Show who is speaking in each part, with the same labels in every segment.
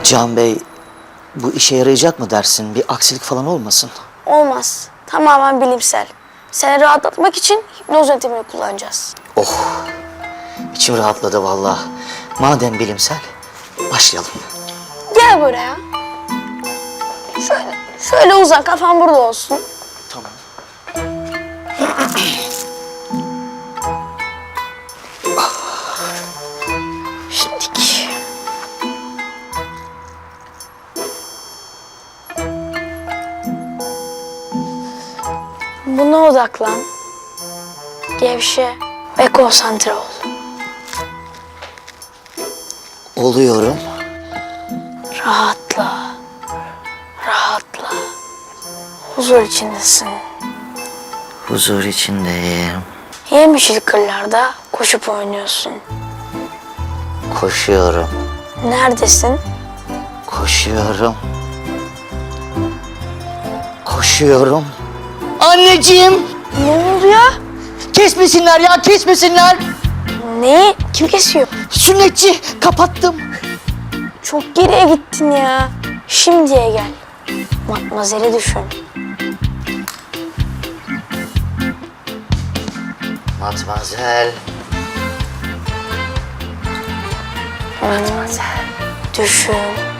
Speaker 1: Can Bey, bu işe yarayacak mı dersin? Bir aksilik falan olmasın.
Speaker 2: Olmaz. Tamamen bilimsel. Seni rahatlatmak için hipnoz yöntemini kullanacağız.
Speaker 1: Oh, içim rahatladı vallahi. Madem bilimsel, başlayalım.
Speaker 2: Gel buraya. Şöyle uzan, kafan burada olsun.
Speaker 1: Tamam.
Speaker 2: Şimdiki. Buna odaklan. Gevşe ve konsantre ol.
Speaker 1: Oluyorum.
Speaker 2: Rahatla. Rahatla. Huzur içindesin.
Speaker 1: Huzur içindeyim.
Speaker 2: Yemyeşil kırlarda koşup oynuyorsun.
Speaker 1: Koşuyorum.
Speaker 2: Neredesin?
Speaker 1: Koşuyorum. Koşuyorum. Anneciğim!
Speaker 2: Ne oluyor?
Speaker 1: Kesmesinler ya, kesmesinler!
Speaker 2: Neyi? Kim kesiyor?
Speaker 1: Sünnetçi, kapattım.
Speaker 2: Çok geriye gittin ya. Şimdiye gel. Matmazel'i düşün.
Speaker 1: Matmazel.
Speaker 2: Matmazel. Düşün.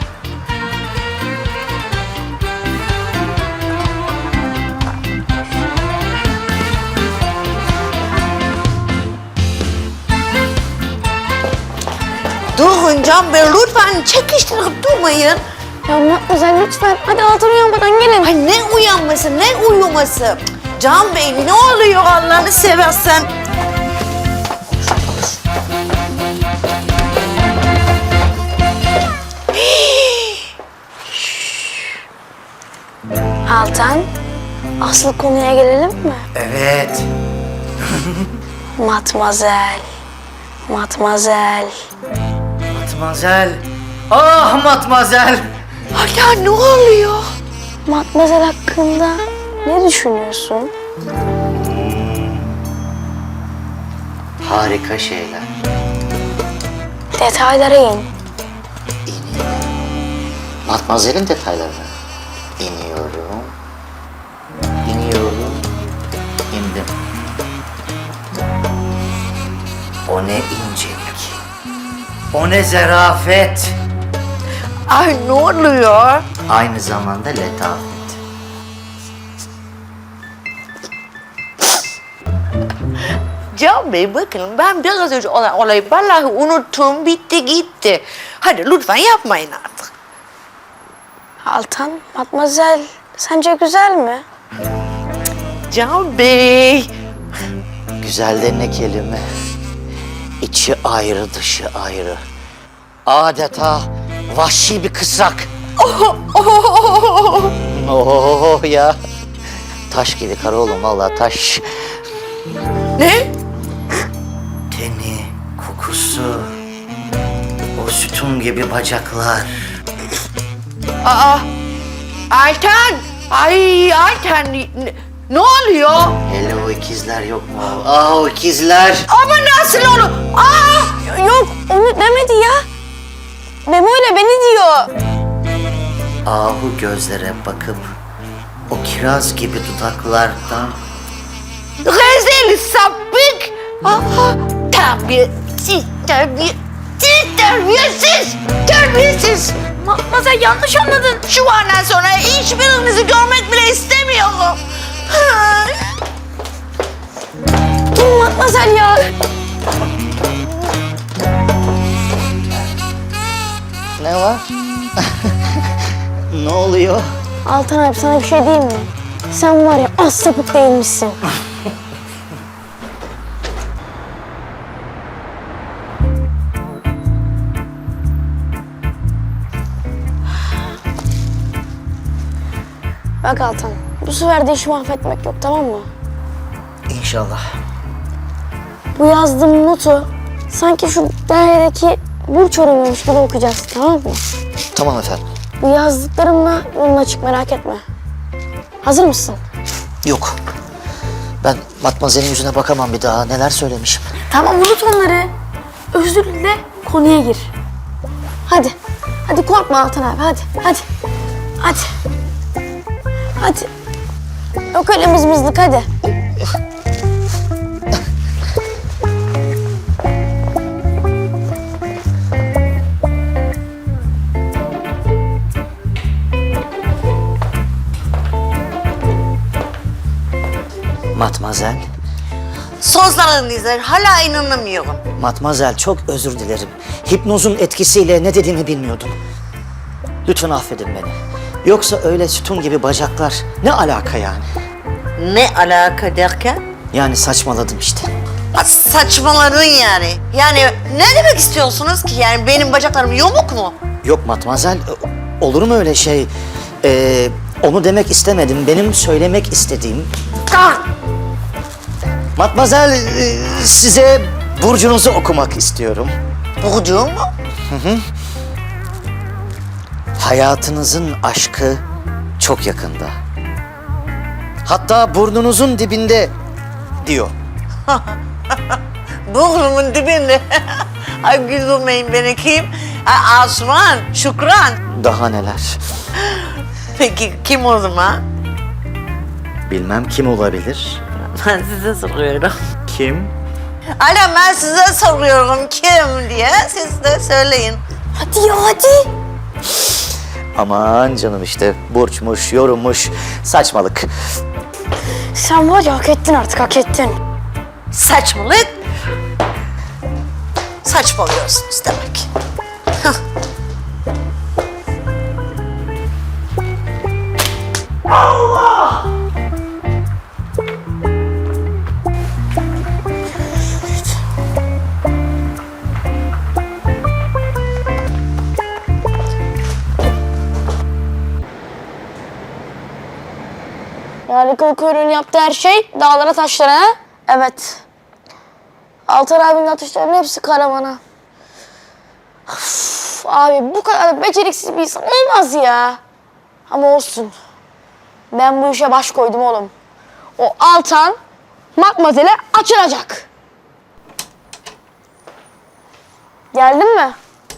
Speaker 3: Durun Can Bey, lütfen çekiştirip durmayın.
Speaker 2: Ya Matmazel lütfen. Hadi altın uyanmadan gelin.
Speaker 3: Ay ne uyanması, ne uyuması? Can Bey ne oluyor Allah'ını seversen?
Speaker 2: Altan, asıl konuya gelelim mi?
Speaker 1: Evet.
Speaker 2: Matmazel. Matmazel.
Speaker 1: Matmazel. Ah Matmazel.
Speaker 3: Hala ne oluyor?
Speaker 2: Matmazel hakkında ne düşünüyorsun?
Speaker 1: Harika şeyler.
Speaker 2: Detaylara in.
Speaker 1: Matmazel'in detaylarına. İniyorum. İniyorum. İndim. O ne incelik. O ne zarafet.
Speaker 3: Ay ne oluyor?
Speaker 1: Aynı zamanda letafet.
Speaker 3: Can Bey bakın ben biraz önce olan olayı vallahi unuttum, bitti gitti. Hadi lütfen yapmayın artık.
Speaker 2: Altan, Matmazel sence güzel mi?
Speaker 3: Can Bey.
Speaker 1: Güzel de ne kelime. İçi ayrı, dışı ayrı. Adeta vahşi bir kısrak. Oh ya. Taş gibi kara oğlum, vallahi taş.
Speaker 3: Ne?
Speaker 1: Teni, kokusu, o sütun gibi bacaklar.
Speaker 3: Aa, Altan. Ay Altan ne oluyor?
Speaker 1: Hele o ikizler yok mu? Ah o ikizler.
Speaker 3: Ama nasıl olur? Aa!
Speaker 2: Yok, onu demedi ya. Memo ile beni diyor.
Speaker 1: Ahu gözlere bakıp o kiraz gibi dudaklardan
Speaker 3: Rezil sapık. Aa, terbiyesiz, terbiyesiz.
Speaker 2: Matmazel yanlış anladın.
Speaker 3: Şu andan sonra hiçbirinizi görmek bile istemiyorum.
Speaker 2: Dur Matmazel ya.
Speaker 1: ne var? Ne oluyor?
Speaker 2: Altan abi sana bir şey diyeyim mi? Sen var ya az sapık değilmişsin. Bak Altan, bu sefer de işi mahvetmek yok, tamam mı?
Speaker 1: İnşallah.
Speaker 2: Bu yazdığım notu sanki şu dairedeki burç oranıymış gibi okuyacağız, tamam mı?
Speaker 1: Tamam efendim.
Speaker 2: Bu yazdıklarımla yoluna çık, merak etme. Hazır mısın?
Speaker 1: Yok. Ben Matmazel'in yüzüne bakamam bir daha. Neler söylemişim.
Speaker 2: Tamam, unut onları. Özür dile, konuya gir. Hadi, Hadi korkma Altan abi, hadi. Hadi. Hadi. Yok öyle mızmızlık, hadi.
Speaker 1: Matmazel,
Speaker 3: Sözlerinize hala inanamıyorum.
Speaker 1: Matmazel çok özür dilerim. Hipnozun etkisiyle ne dediğimi bilmiyordum. Lütfen affedin beni. Yoksa öyle sütun gibi bacaklar ne alaka yani?
Speaker 3: Ne alaka derken?
Speaker 1: Yani saçmaladım işte.
Speaker 3: Saçmaladın yani. Yani ne demek istiyorsunuz ki? Yani benim bacaklarım yamuk mu?
Speaker 1: Yok Matmazel, olur mu öyle şey? Onu demek istemedim. Benim söylemek istediğim... Matmazel, size burcunuzu okumak istiyorum.
Speaker 3: Burcu mu?
Speaker 1: Hayatınızın aşkı çok yakında. Hatta burnunuzun dibinde diyor.
Speaker 3: Burnumun dibinde. Ay güldürmeyin beni kim? Ay Asuman, Şükran.
Speaker 1: Daha neler.
Speaker 3: Peki kim o zaman?
Speaker 1: Bilmem kim olabilir.
Speaker 3: Ben size soruyorum.
Speaker 1: Kim?
Speaker 3: Hala ben size soruyorum kim diye. Siz de söyleyin.
Speaker 2: Hadi ya, hadi.
Speaker 1: Aman canım işte burçmuş, yorummuş, saçmalık.
Speaker 2: Sen var ya, hak ettin artık, hak ettin.
Speaker 3: Saçmalık. Saçmalıyorsunuz demek.
Speaker 2: Yani kıl kuyruğun yaptığı her şey dağlara taşlara, ha? Evet. Altan abinin atışlarının hepsi karavana. Of, abi bu kadar beceriksiz bir insan olmaz ya. Ama olsun. Ben bu işe baş koydum oğlum. O Altan Matmazel'e açılacak. Geldin mi?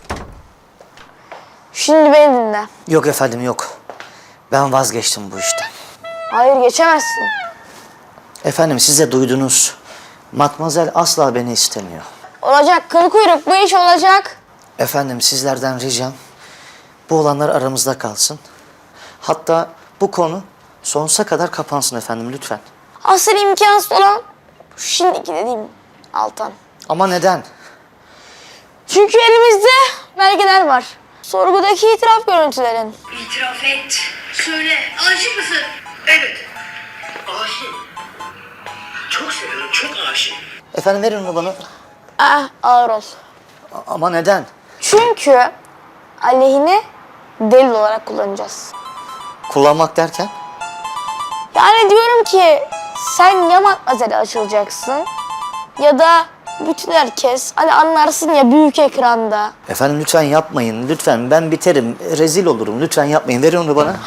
Speaker 2: Şimdi beni dinle.
Speaker 1: Yok efendim yok. Ben vazgeçtim bu işten.
Speaker 2: Hayır, geçemezsin.
Speaker 1: Efendim siz de duydunuz. Matmazel asla beni istemiyor.
Speaker 2: Olacak kıl kuyruk, bu iş olacak.
Speaker 1: Efendim sizlerden ricam bu olanlar aramızda kalsın. Hatta bu konu sonsuza kadar kapansın efendim lütfen.
Speaker 2: Asıl imkansız olan şu şimdiki dediğim Altan.
Speaker 1: Ama neden?
Speaker 2: Çünkü elimizde belgeler var. Sorgudaki itiraf görüntülerin.
Speaker 4: İtiraf et. Söyle, aşık mısın? Evet. Aşığım. Çok seviyorum, çok aşığım.
Speaker 1: Efendim verin onu bana.
Speaker 2: Ağır ol.
Speaker 1: Ama neden?
Speaker 2: Çünkü aleyhine delil olarak kullanacağız.
Speaker 1: Kullanmak derken?
Speaker 2: Yani diyorum ki sen ya Matmazel'e açılacaksın ya da bütün herkes hani anlarsın ya büyük ekranda.
Speaker 1: Efendim lütfen yapmayın. Lütfen ben biterim. Rezil olurum. Lütfen yapmayın. Verin onu bana.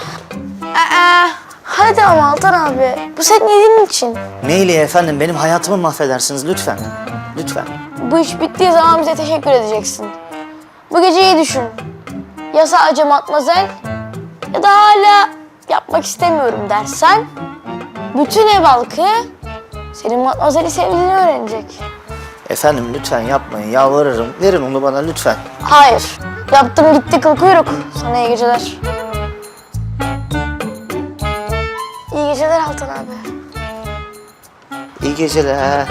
Speaker 2: Hadi ama Altan abi, bu senin iyiliğin için.
Speaker 1: Neyle efendim? Benim hayatımı mahvedersiniz lütfen. Lütfen.
Speaker 2: Bu iş bittiği zaman bize teşekkür edeceksin. Bu geceyi düşün. Ya sadece Matmazel ya da hala yapmak istemiyorum dersen bütün ev halkı senin Matmazel'i sevdiğini öğrenecek.
Speaker 1: Efendim lütfen yapmayın. Yalvarırım. Verin onu bana lütfen.
Speaker 2: Hayır. Yaptım gitti kıl kuyruk. Sana iyi geceler. İyi geceler Altan abi.
Speaker 1: İyi geceler.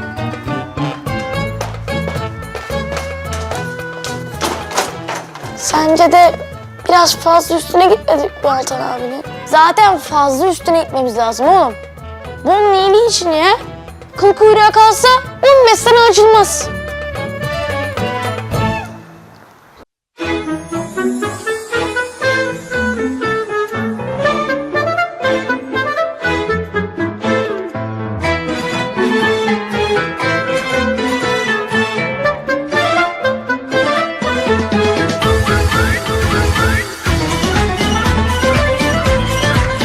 Speaker 2: Sence de biraz fazla üstüne gitmedik mi Altan abinin? Zaten fazla üstüne gitmemiz lazım oğlum. Bunun iyiliği için ya. Kıl kuyruğa kalsa 15 sene açılmaz.